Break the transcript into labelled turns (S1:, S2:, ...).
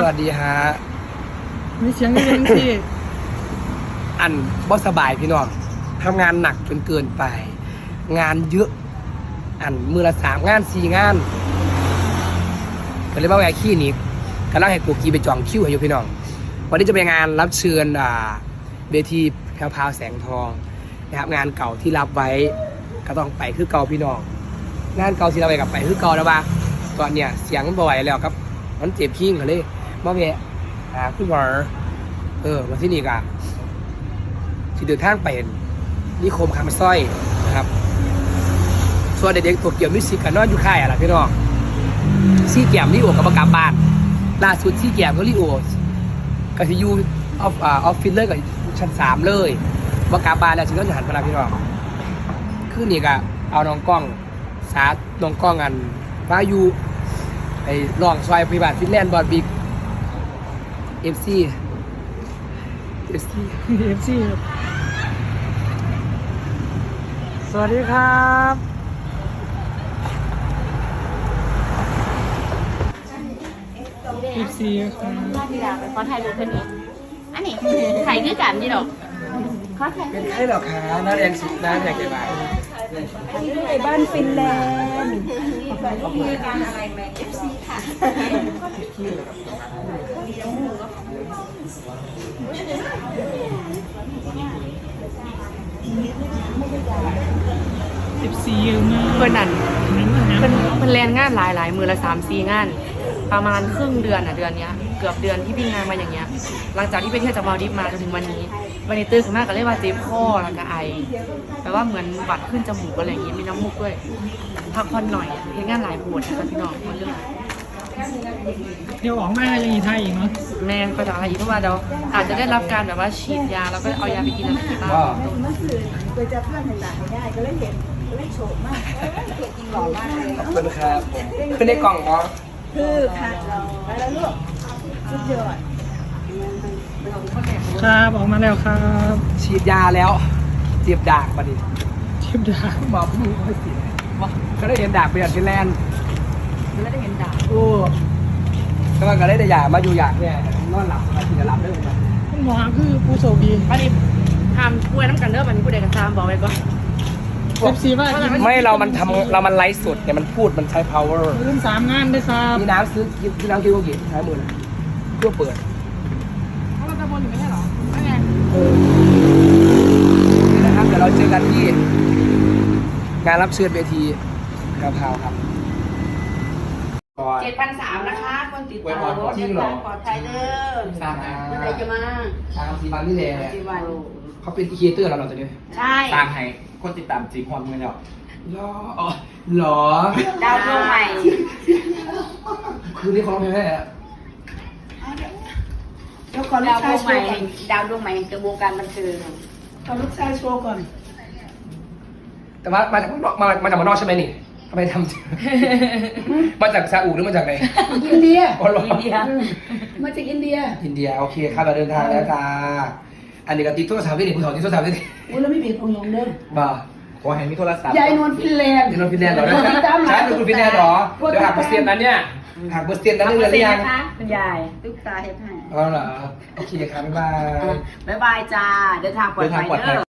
S1: วัสดีฮะ
S2: มีเสียงยังที่
S1: อันบ่สบายพี่น้องทำงานหนักจนเกินไปงานเยอะอันมือละ3 งาน 4 งานก็เลยว่าแหวกขี้นี้กำลังให้กูกีไปจองคิวให้อยู่พี่น้องวันนี้จะไปงานรับเชิญเวทีแพรวๆแสงทองนะครับงานเก่าที่รับไว้ก็ต้องไปคือเก่าพี่น้องงานเก่าที่เราไปกับไปคือเก่าแล้วว่าตอนเนี้ยเสียงมันบ่ไหวแล้วครับมันเจ็บพิ้งก็เลยมาแวะคุณหมอมาที่นี่กันที่เดินทางไปนิคมคำสร้อยนะครับส่วนเด็กๆตัวเกี่ยวมิวสิกกันนอนอยู่ค่ายอะไรพี่น้องซี่แกมลิโอกับประกาศบ้านล่าสุดซี่แกมก็ลิโอกับที่ยูออฟฟิศเลยกับชั้น3เลยประกาศบ้านแล้วชิ้นต้นหันมาแล้วพี่น้องคือนี่ก็เอาน้องกล้องสาน้องกล้องอันมาอยู่ไอ้ลองซอยพิบัติฟินแลนด์บอลบิ๊กFC
S2: สวัสดีครับ14ครับ
S3: ที่เราไปขอถ่ายรูปเพื่อนอีกอันนี้ถ่ายคือกันนี่ดอกขอถ่าย
S1: เป็นใครหรอคะน้าแดงสุดน้าแดงใหญ่ใบ
S4: ในบ้านฟินแลนด์
S3: มีการอะไรไหม FC ค่ะ
S2: 14เยอะมาก
S5: เพื่อนนั่นเป็นแลนงานหลายมือละ3-4 งาน ประมาณครึ่งเดือนเดือนนี้เกือบเดือนที่วิ่งงานมาอย่างเงี้ยหลังจากที่ไปเที่ยวจากมาลดีฟมาจนถึงวันนี้ตื่นขึ้นมาก็เลยว่าเจ็บคอแล้วก็ไอแปลว่าเหมือนบัดขึ้นจมูกอะไรอย่างงี้มีน้ำมูกด้วยพักผ่อนหน่อยเพียงงานหลายปวดนะคะพี่น้องเรื่อง
S2: เดี๋ยวออกมายังอีไทยอีกเนาะ
S5: แม่ก็จะอะไรอีกเพราะว่าเดี๋ยวอาจจะได้รับการแบบว่าฉีดยาแล้วก็เอายาไปกินอะไรที่บ้าน
S4: เมื่อคืนไปจับเพื่อนเห็นหลังได้ก็เลยเห็นก็เลยโฉมมากเก่งจริงหล่อมากเลย
S1: ขอบคุณครับเป็นในกล่องเหรอ
S4: คือค่ะเราไปแล้วลูกสุดยอด
S2: ครับออกมาแล้วครับ
S1: ฉีดยาแล้วเจ็บดากมาดิ
S2: เทียบดา
S1: หมอผู้ไม่เสียก็ได้เห็นดากไปอย่างฟินแลนด์
S5: ไม่ได้เห็นด่า
S1: โอ้ก็ก็ได้แต่ยามาอยู่อยากเนี่ยนอนหลับมากินหลับได้เหมือนกัน
S2: คุณหมอคือผู้โชคดี
S5: วันนี้ห้ามป่วยน้ำกันเด้อวันนี้ผู้ใดกันซ้ำบอกไว้ก่อน
S2: 14ว่า
S1: ไม่เรามันไลฟ์สดเนี่ยมันพูดมันใช้ power
S2: รุ่น3 งานได้ครับ
S1: มีน้ำซื้อกินน้ำกินก็กินใช้มือนะเพื่อเปิด
S5: เพราะเราจะบนอยู่ไม่ใช่หรอไม่ไง
S1: นี่นะครับเดี๋ยวเราเจอกันที่งานรับเชิญเวทีกระเพราครับก่อน
S3: 7,300นะคะคนติดต่อ
S1: จริงเหรอ
S3: ปลอดภัยเด้อ
S1: สร้าง
S3: เมื่อไหร่จะมา
S1: สีบันนี่แหละ
S3: กี่วัน
S1: เขาเป็นครีเอเตอร์แล้วเราจะเนี่ย
S3: ใช่
S6: สร้างให้คนติดตามจีพรเงินแล้ว
S1: หรอ
S3: ดาวดวงใหม่
S1: คือนี่เขาร้องเพลงได้แล้ว
S4: เดี๋ยวขอลู
S3: ดาก วด
S4: ชายว
S3: ง
S4: โช
S3: ใหม่
S4: ว์ก่อน
S3: ดาวดวงใหม่แห่งวงการบันเทิง
S4: ขอลูกชายโชว์ก่อน
S1: แต่ว่ามาจากมาจากเมืองนอกใช่ไหมนี่ทำไมทำ มาจากซาอุหรือมาจากไหน
S4: อินเดีย
S1: อ๋อเหรอ
S3: อินเดีย
S4: มาจากอินเดีย
S1: อินเดียโอเคครับเราเดินทางแล้วจ้าอันนี้ก็ติดโทรศัพท์ที่นี่ผู้สาวติดโทรศัพท์ที่นี่
S4: อุ้ยแล้วไม่เปลี่ยนของลงเด้อ
S1: บ่า
S6: ขอให้มีโทรศัพท์
S4: ยายนวลฟินแลนด์
S1: เดี๋ยวเราฟินแลนด์เหรอใช่เป็นคนฟินแลนด์เหรอเดี๋ยวหักเปอร์เซ็นต์นั้นเนี่ยหักเปอร์เซ็นต์นั้นเรื่องหรือยัง
S3: คุณยายตุ๊กตาเฮ็ดให้
S1: อ๋อเหรอโอเคครับบ๊ายบาย
S3: บ๊ายบายจ้า เดินทางปลอดภัยเด้อ